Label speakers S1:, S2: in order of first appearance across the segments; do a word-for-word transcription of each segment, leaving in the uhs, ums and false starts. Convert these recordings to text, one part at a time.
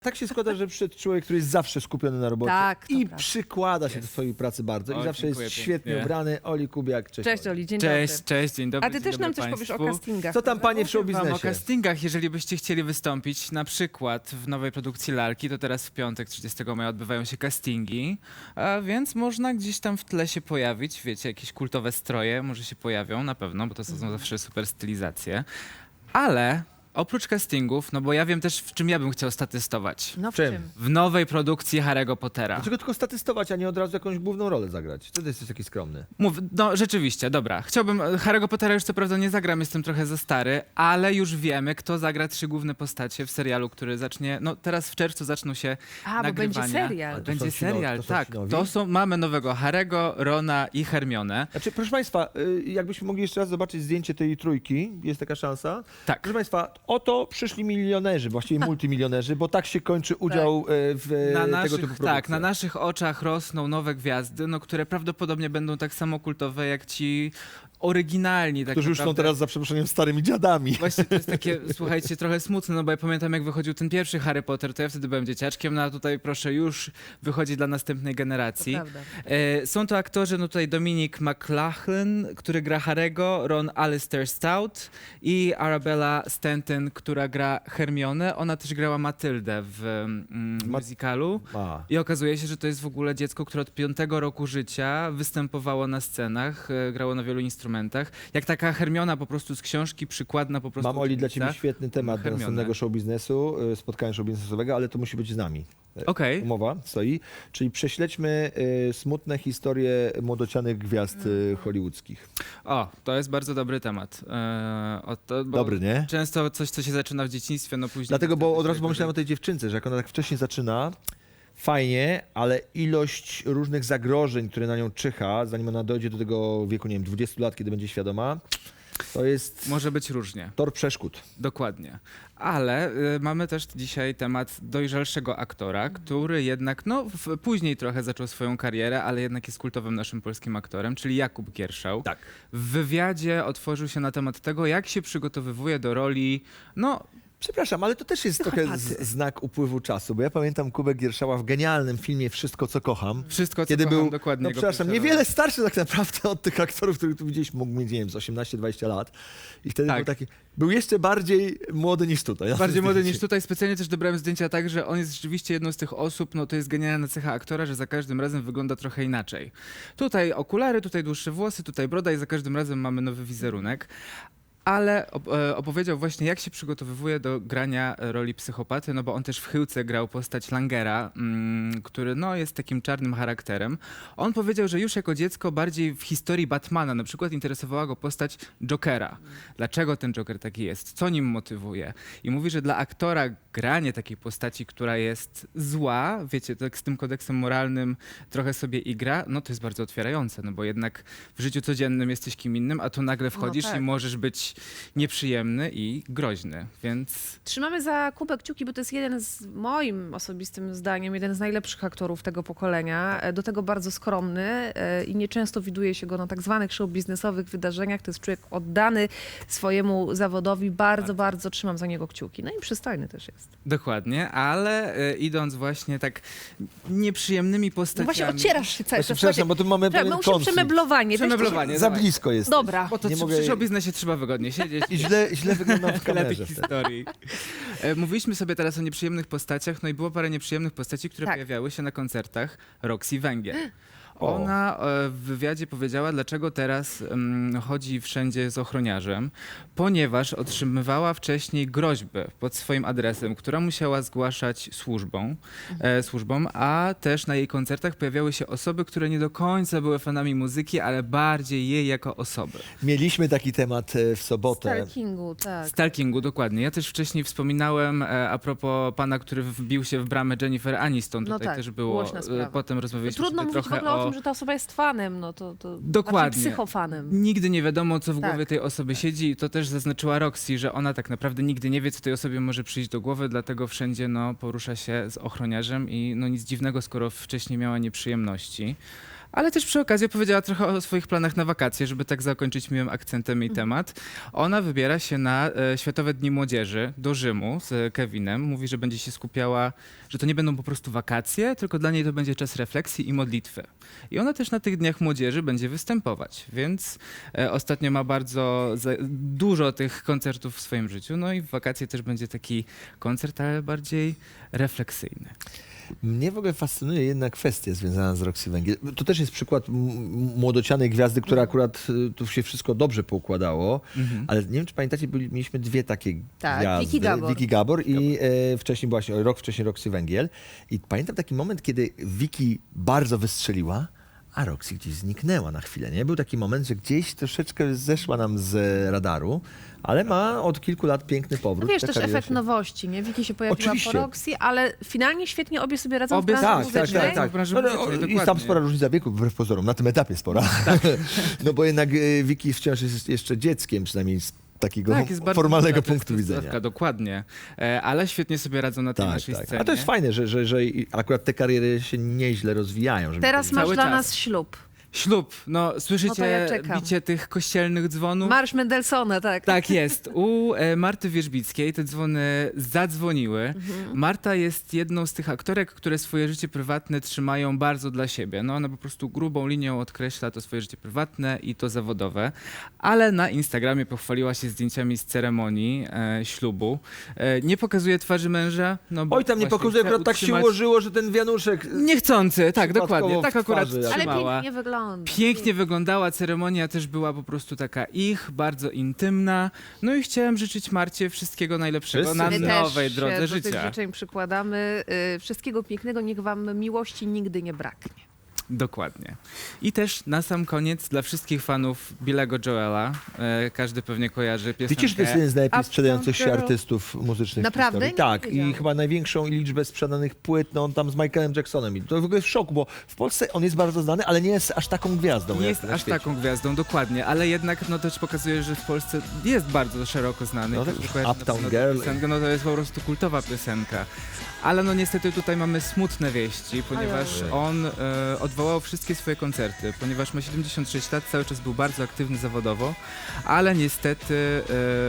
S1: Tak się składa, że przyszedł człowiek, który jest zawsze skupiony na robocie
S2: Tak, to
S1: i
S2: prawda.
S1: przykłada się
S3: Jest.
S1: do swojej pracy bardzo
S3: O,
S1: i zawsze jest
S3: dziękuję
S1: świetnie
S3: pięknie.
S1: ubrany. Oli Kubiak, cześć.
S2: Cześć
S1: Oli.
S2: Oli, dzień
S3: Cześć,
S2: dobry.
S3: cześć, dzień dobry.
S2: A ty
S3: dzień
S2: też
S3: dobry
S2: nam coś
S3: państwu.
S2: powiesz o castingach.
S1: Co tam panie w
S3: Powiem wam o
S1: showbiznesie?
S3: castingach, jeżeli byście chcieli wystąpić na przykład w nowej produkcji Lalki, to teraz w piątek, trzydziestego maja odbywają się castingi, a więc można gdzieś tam w tle się pojawić, wiecie, jakieś kultowe stroje może się pojawią na pewno, bo to są zawsze super stylizacje, ale oprócz castingów, no bo ja wiem też, w czym ja bym chciał statystować.
S2: No w
S1: Czym?
S2: czym?
S3: W nowej produkcji Harry'ego Pottera.
S1: Dlaczego tylko statystować, a nie od razu jakąś główną rolę zagrać? Wtedy jesteś taki skromny.
S3: Mów, no rzeczywiście, dobra. Chciałbym, Harry'ego Pottera już co prawda nie zagram, jestem trochę za stary, ale już wiemy, kto zagra trzy główne postacie w serialu, który zacznie, no teraz w czerwcu zaczną się
S2: A, bo
S3: nagrywania.
S2: będzie serial.
S1: Ale to
S3: Będzie
S1: są ci nowi-
S3: serial,
S1: to są
S3: tak.
S1: ci nowi?
S3: To są, mamy nowego Harry'ego, Rona i Hermionę.
S1: Znaczy, proszę Państwa, y, jakbyśmy mogli jeszcze raz zobaczyć zdjęcie tej trójki, jest taka szansa.
S3: Tak.
S1: Proszę Państwa, oto przyszli milionerzy, właściwie multimilionerzy, bo tak się kończy udział y, w
S3: Na
S1: tego
S3: naszych,
S1: typu
S3: tak,
S1: produkcjach.
S3: na naszych oczach rosną nowe gwiazdy, no, które prawdopodobnie będą tak samo kultowe jak ci oryginalni. Tak
S1: Którzy już są
S3: naprawdę.
S1: teraz, za przeproszeniem, starymi dziadami.
S3: Właśnie to jest takie, słuchajcie, trochę smutne, no bo ja pamiętam, jak wychodził ten pierwszy Harry Potter, to ja wtedy byłem dzieciaczkiem, no a tutaj proszę już wychodzi dla następnej generacji.
S2: To prawda.
S3: E, są to aktorzy, no tutaj Dominic McLachlan, który gra Harry'ego, Ron Alistair Stout i Arabella Stanton, która gra Hermionę. Ona też grała Matyldę w mm,
S1: Ma-
S3: musicalu.
S1: A.
S3: I okazuje się, że to jest w ogóle dziecko, które od piątego roku życia występowało na scenach, e, grało na wielu instrumentach. Jak taka Hermiona po prostu z książki, przykładna po prostu
S1: Mam, Oli, dla
S3: uczennica.
S1: Ciebie świetny temat do
S3: Hermione.
S1: następnego show biznesu, y, spotkania show biznesowego, ale to musi być z nami. Y,
S3: Okej.
S1: Umowa stoi. Czyli prześledźmy y, smutne historie młodocianych gwiazd y, hollywoodzkich.
S3: O, to jest bardzo dobry temat. E, o to, bo
S1: Dobry, nie?
S3: Często coś, co się zaczyna w dzieciństwie, no później...
S1: Dlatego, bo
S3: wtedy
S1: od
S3: się
S1: razu pomyślałem o tej dziewczynce, że jak ona tak wcześnie zaczyna, fajnie, ale ilość różnych zagrożeń, które na nią czyha, zanim ona dojdzie do tego wieku, nie wiem, dwudziestu lat, kiedy będzie świadoma, to jest
S3: Może być różnie,
S1: tor przeszkód.
S3: dokładnie. Ale y, mamy też dzisiaj temat dojrzalszego aktora, który jednak, no w, później trochę zaczął swoją karierę, ale jednak jest kultowym naszym polskim aktorem, czyli Jakub Gierszał.
S1: Tak.
S3: W wywiadzie otworzył się na temat tego, jak się przygotowywuje do roli, no
S1: Przepraszam, ale to też jest trochę z, znak upływu czasu, bo ja pamiętam Kubę Gierszała w genialnym filmie Wszystko, co kocham.
S3: wszystko, co
S1: Kiedy
S3: kocham,
S1: był,
S3: dokładnie.
S1: no
S3: go
S1: przepraszam,
S3: pierwsza
S1: niewiele
S3: rola.
S1: starszy tak naprawdę od tych aktorów, których tu widzieliśmy, mógł mieć, nie wiem, z osiemnaście dwadzieścia lat. I wtedy
S3: Tak.
S1: był taki, był jeszcze bardziej młody niż tutaj.
S3: Bardziej młody niż tutaj. Specjalnie też dobrałem zdjęcia tak, że on jest rzeczywiście jedną z tych osób, no to jest genialna cecha aktora, że za każdym razem wygląda trochę inaczej. Tutaj okulary, tutaj dłuższe włosy, tutaj broda i za każdym razem mamy nowy wizerunek. Ale op- e, opowiedział właśnie, jak się przygotowywuje do grania roli psychopaty, no bo on też w Chyłce grał postać Langera, mm, który no, jest takim czarnym charakterem. On powiedział, że już jako dziecko bardziej w historii Batmana na przykład interesowała go postać Jokera. Dlaczego ten Joker taki jest? Co nim motywuje? I mówi, że dla aktora granie takiej postaci, która jest zła, wiecie, tak z tym kodeksem moralnym trochę sobie igra, no to jest bardzo otwierające, no bo jednak w życiu codziennym jesteś kim innym, a tu nagle wchodzisz
S2: tak.
S3: i możesz być nieprzyjemny i groźny, więc
S2: Trzymamy za Kubę kciuki, bo to jest jeden z moim osobistym zdaniem, jeden z najlepszych aktorów tego pokolenia. E, Do tego bardzo skromny e, i nieczęsto widuje się go na tak zwanych show biznesowych wydarzeniach. To jest człowiek oddany swojemu zawodowi. Bardzo, bardzo trzymam za niego kciuki. No i przystojny też jest.
S3: dokładnie, ale e, idąc właśnie tak nieprzyjemnymi
S2: No
S3: postaciami...
S2: właśnie ocierasz się cały
S1: Właśnie,
S2: czas.
S1: przepraszam, bo tu mamy
S2: Słuchaj,
S1: pewien
S2: muszę
S1: konflikt.
S2: przemeblowanie. Weź
S3: Przemeblowanie.
S1: Za
S3: dawaj.
S1: blisko jest.
S2: Dobra.
S3: Bo to
S1: Nie
S3: nie
S1: mogę-
S3: przy biznesie trzeba wygodnie siedzieć.
S1: I źle, źle wyglądam w
S3: Lepiej
S1: kamerze wtedy.
S3: historii. E, Mówiliśmy sobie teraz o nieprzyjemnych postaciach, no i było parę nieprzyjemnych postaci, które
S2: Tak.
S3: pojawiały się na koncertach Roxy Węgiel.
S1: O.
S3: Ona e, w wywiadzie powiedziała, dlaczego teraz mm, chodzi wszędzie z ochroniarzem, ponieważ otrzymywała wcześniej groźby pod swoim adresem, która musiała zgłaszać służbą, e, służbom, a też na jej koncertach pojawiały się osoby, które nie do końca były fanami muzyki, ale bardziej jej jako osoby.
S1: Mieliśmy taki temat e, w sobotę.
S2: Stalkingu, tak.
S3: Stalkingu, dokładnie. Ja też wcześniej wspominałem e, a propos pana, który wbił się w bramę Jennifer Aniston.
S2: No
S3: Tutaj
S2: tak,
S3: też było.
S2: głośna
S3: e,
S2: sprawa.
S3: Potem rozmawialiśmy
S2: Trudno
S3: sobie
S2: mówić w
S3: trochę
S2: ogóle o
S3: o...
S2: tym, że ta osoba jest fanem, no to, to
S3: Dokładnie.
S2: znaczy psychofanem.
S3: Nigdy nie wiadomo, co w
S2: Tak.
S3: głowie tej osoby siedzi i to też zaznaczyła Roxy, że ona tak naprawdę nigdy nie wie, co tej osobie może przyjść do głowy, dlatego wszędzie no, porusza się z ochroniarzem i no nic dziwnego, skoro wcześniej miała nieprzyjemności. Ale też przy okazji opowiedziała trochę o swoich planach na wakacje, żeby tak zakończyć miłym akcentem jej temat. Ona wybiera się na e, Światowe Dni Młodzieży do Rzymu z Kevinem. Mówi, że będzie się skupiała, że to nie będą po prostu wakacje, tylko dla niej to będzie czas refleksji i modlitwy. I ona też na tych Dniach Młodzieży będzie występować, więc e, ostatnio ma bardzo za, dużo tych koncertów w swoim życiu. No i w wakacje też będzie taki koncert, ale bardziej refleksyjny.
S1: Mnie w ogóle fascynuje jedna kwestia związana z Roxy Węgiel. To też jest przykład m- młodocianej gwiazdy, która akurat y, tu się wszystko dobrze poukładało,
S3: Mhm.
S1: ale nie wiem, czy pamiętacie, byli, mieliśmy dwie takie
S2: Tak,
S1: gwiazdy.
S2: Vicky Gabor.
S1: Vicky Gabor i e, wcześniej była się, rok wcześniej Roxy Węgiel. I pamiętam taki moment, kiedy Vicky bardzo wystrzeliła, a Roxy gdzieś zniknęła na chwilę, nie? Był taki moment, że gdzieś troszeczkę zeszła nam z radaru, ale ma od kilku lat piękny powrót.
S2: No wiesz,
S1: Ta
S2: też
S1: kariera
S2: efekt
S1: się-
S2: nowości, nie? Wiki się pojawiła
S1: Oczywiście.
S2: po Roxy, ale finalnie świetnie obie sobie radzą
S3: Obie-
S2: w branży
S1: Tak, tak,
S2: muzycznej.
S1: tak, tak.
S3: w branży
S1: No, no,
S3: muzycznej,
S1: jest tam
S3: dokładnie.
S1: spora różnica wieku, wbrew pozorom, na tym etapie spora. No bo jednak e, Vicky wciąż jest jeszcze dzieckiem, przynajmniej z takiego
S3: Tak, jest bardzo
S1: formalnego
S3: duża
S1: punktu
S3: testosterówka,
S1: widzenia.
S3: Dokładnie. E, ale świetnie sobie radzą na tej
S1: Tak,
S3: naszej
S1: tak.
S3: scenie.
S1: A to jest fajne, że, że, że i akurat te kariery się nieźle rozwijają. żeby
S2: Teraz
S1: powiedzieć.
S2: masz
S3: Cały
S2: dla
S3: czas.
S2: nas ślub.
S3: Ślub. No, słyszycie
S2: No to ja czekam.
S3: bicie tych kościelnych dzwonów?
S2: Marsz Mendelssohna, tak.
S3: Tak jest. U e, Marty Wierzbickiej te dzwony zadzwoniły.
S2: Mhm.
S3: Marta jest jedną z tych aktorek, które swoje życie prywatne trzymają bardzo dla siebie. No ona po prostu grubą linią odkreśla to swoje życie prywatne i to zawodowe. Ale na Instagramie pochwaliła się zdjęciami z ceremonii e, ślubu. E, nie pokazuje twarzy męża. No bo
S1: Oj, tam nie
S3: właśnie
S1: pokazuje,
S3: chce
S1: akurat tak się
S3: utrzymać-
S1: ułożyło, że ten wianuszek...
S3: Niechcący, tak,
S1: Przypadkowo
S3: dokładnie. Tak
S1: w
S3: akurat
S1: twarzy, jak-
S2: Ale
S3: trzymała.
S2: pięknie wygląda.
S3: Pięknie wyglądała, ceremonia też była po prostu taka ich, bardzo intymna. No i chciałem życzyć Marcie wszystkiego najlepszego
S1: Wszyscy
S3: na
S1: My
S2: My
S3: nowej
S2: też
S3: drodze
S2: się do
S3: życia.
S2: tych życzeń przykładamy. Y, Wszystkiego pięknego, niech wam miłości nigdy nie braknie.
S3: Dokładnie. I też na sam koniec dla wszystkich fanów Billego Joela, e, każdy pewnie kojarzy piosenkę.
S1: Wiecie, że to jest jeden z najlepiej
S2: Uptown
S1: sprzedających się
S2: Girl.
S1: artystów muzycznych
S2: Naprawdę?
S1: w historii.
S2: Nie
S1: Tak, i
S2: wiedziałam.
S1: chyba największą liczbę sprzedanych płyt, no on tam z Michaelem Jacksonem. I to w ogóle jest w szoku, bo w Polsce on jest bardzo znany, ale nie jest aż taką gwiazdą.
S3: Nie
S1: jak
S3: jest
S1: na
S3: aż
S1: świecie.
S3: taką gwiazdą, dokładnie, ale jednak no też pokazuje, że w Polsce jest bardzo szeroko znany.
S1: No tak,
S3: Każdy kojarzy na
S1: Uptown
S3: pewno tę
S1: Girl.
S3: Piosenkę, no to jest po prostu kultowa piosenka. Ale no niestety tutaj mamy smutne wieści, ponieważ
S1: Ojej.
S3: on e, odwołał wszystkie swoje koncerty, ponieważ ma siedemdziesiąt sześć lat, cały czas był bardzo aktywny zawodowo, ale niestety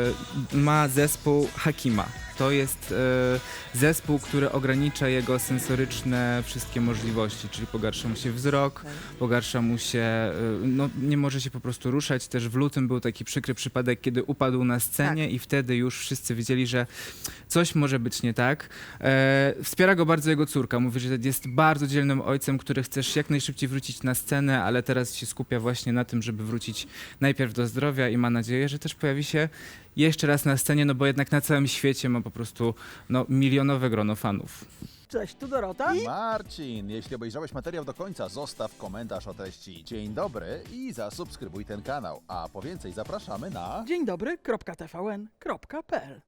S3: e, ma zespół Hakima. To jest e, zespół, który ogranicza jego sensoryczne wszystkie możliwości, czyli pogarsza mu się wzrok, pogarsza mu się, e, no nie może się po prostu ruszać. Też w lutym był taki przykry przypadek, kiedy upadł na scenie i wtedy już wszyscy wiedzieli, że coś może być nie tak. E, wspiera go bardzo jego córka. Mówi, że jest bardzo dzielnym ojcem, który chcesz jak najszybciej wrócić na scenę, ale teraz się skupia właśnie na tym, żeby wrócić najpierw do zdrowia i ma nadzieję, że też pojawi się jeszcze raz na scenie, no bo jednak na całym świecie ma po prostu no, milionowe grono fanów.
S4: Cześć, tu Dorota.
S5: Marcin, jeśli obejrzałeś materiał do końca, zostaw komentarz o treści dzień dobry i zasubskrybuj ten kanał. A po więcej zapraszamy na...
S4: Dzień dobry, kropka T V N, kropka P L.